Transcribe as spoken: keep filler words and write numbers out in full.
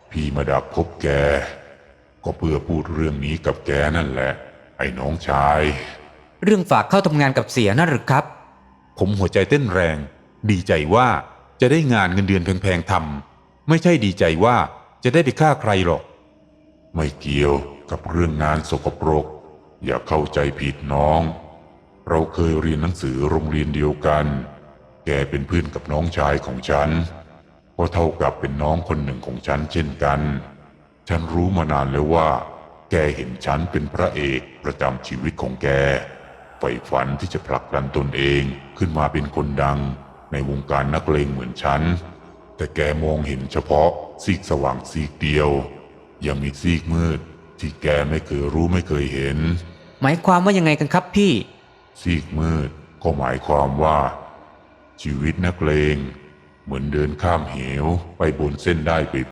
พี่มาดักพบแกก็เพื่อพูดเรื่องนี้กับแกนั่นแหละไอ้น้องชายเรื่องฝากเข้าทำงานกับเสียนั่นหรือครับผมหัวใจเต้นแรงดีใจว่าจะได้งานเงินเดือนแพงๆทำไม่ใช่ดีใจว่าจะได้ไปฆ่าใครหรอกไม่เกี่ยวกับเรื่องงานสกปรกอย่าเข้าใจผิดน้องเราเคยเรียนหนังสือโรงเรียนเดียวกันแกเป็นเพื่อนกับน้องชายของฉันก็เท่ากับเป็นน้องคนหนึ่งของฉันเช่นกันฉันรู้มานานแล้วว่าแกเห็นฉันเป็นพระเอกประจำชีวิตของแกใฝ่ฝันที่จะผลักดันตนเองขึ้นมาเป็นคนดังในวงการนักเลงเหมือนฉันแต่แกมองเห็นเฉพาะซีกสว่างซีกเดียวยังมีซีกมืดที่แกไม่เคยรู้ไม่เคยเห็นหมายความว่ายังไงกันครับพี่ซีกมืดก็หมายความว่าชีวิตนักเลงเหมือนเดินข้ามเหวไปบนเส้นได้เป